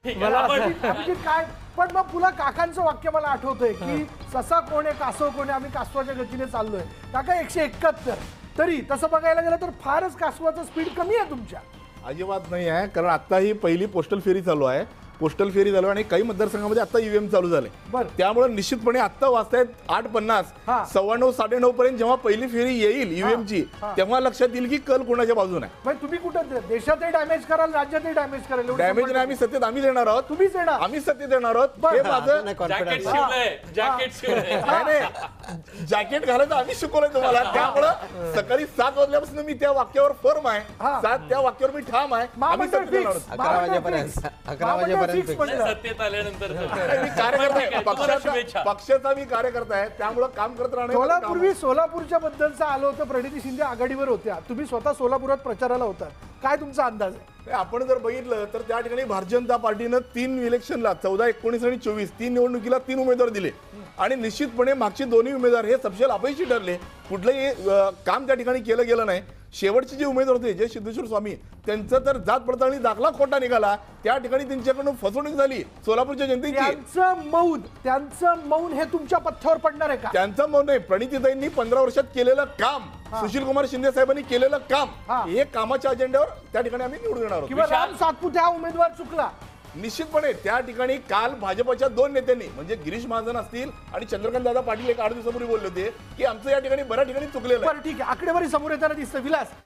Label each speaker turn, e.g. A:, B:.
A: मला अभिजित काय पण मग पुन्हा काकांचं वाक्य मला आठवतंय की ससा कोण आहे कासव कोण आहे आम्ही कासवाच्या गतीने चाललोय काका 171 तरी तसं बघायला गेलं तर फारच कासवाचं स्पीड कमी आहे तुमच्या.
B: अजिबात नाही आहे, कारण आता ही पहिली पोस्टल फेरी चालू आहे. पोस्टल फेरी चालू आहे आणि काही मतदारसंघामध्ये आता ईव्हीएम चालू झाले.
A: बरं.
B: त्यामुळे निश्चितपणे आता वाजतायत 8:50
A: हा.
B: 9:15 9:30 पर्यंत जेव्हा पहिली फेरी येईल ईव्हीएमची तेव्हा लक्षात येईल की कल कोणाच्या बाजूने आहे.
A: मग तुम्ही कुठं देशातही डॅमेज कराल राज्यातही डॅमेज कराल एवढं
B: डॅमेज
A: संपलं.
B: नाही, आम्ही सत्तेत आम्हीच येणार आहोत.
A: तुम्हीच येणार.
B: आम्ही सत्तेत येणार आहोत.
A: बरं.
B: हे माझं
C: जॅकेट शिवलंय जॅकेट शिवलंय
B: नाही जॅकेट घालायचं आम्ही शिकवलंय तुम्हाला. त्यामुळं सकाळी 7 वाजल्यापासून मी त्या वाक्यावर फर्म आहे.
A: हा.
B: 7 त्या वाक्यावर मी ठाम आहे. आम्ही
A: महामंडळ
B: सत्तेत येणार
A: fix.
B: आहोत.
C: 11 वाजेपर्यंत. 11 वाजेपर्यंत fix.
A: म्हणलं.
C: सत्तेत आल्यानंतर
B: मी कार्यकर्ता आहे.
C: तुम्हाला शुभेच्छा.
B: पक्षाचा मी कार्यकर्ता आहे, त्यामुळे काम करत राहणे.
A: सोलापूर्वी सोलापूरच्या बद्दलचं आलं होतं. प्रणिती शिंदे आघाडीवर होत्या, तुम्ही स्वतः सोलापुरात प्रचाराला होता, काय तुमचा अंदाज आहे?
B: आपण जर बघितलं तर त्या ठिकाणी भारतीय जनता पार्टीनं 3 इलेक्शनला 14, 19 आणि 24 3 निवडणुकीला 3 उमेदवार दिले आणि निश्चितपणे मागचे दोन्ही उमेदवार हे सपशेल अपयशी ठरले. कुठलंही काम त्या ठिकाणी केलं गेलं नाही. शेवटचे जे उमेदवार होते जय सिद्धेश्वर स्वामी त्यांचं तर जात पडताळणी दाखला खोटा निघाला. त्या ठिकाणी त्यांच्याकडून फसवणूक झाली सोलापूरच्या जनतेची.
A: त्यांचं मौन हे तुमच्या पथ्यावर पडणार आहे का?
B: त्यांचं मौन नाही, प्रणितीताईंनी 15 वर्षात केलेलं काम, सुशील कुमार शिंदे साहेबांनी केलेलं काम, हे कामाच्या अजेंड्यावर त्या ठिकाणी आम्ही निवडून येणार
A: किंवा
B: आहोत.
A: राम सातपुते हा उमेदवार चुकला
B: निश्चितपणे त्या ठिकाणी काल भाजपच्या 2 नेत्यांनी म्हणजे गिरीश महाजन असतील आणि चंद्रकांत दादा पाटील एक 8 दिवसापूर्वी बोलले होते की आमचं या ठिकाणी बऱ्याच ठिकाणी चुकलेलं आहे.
A: बरं ठीक आहे, आकडेवारी समोर येताना दिसतं. विलास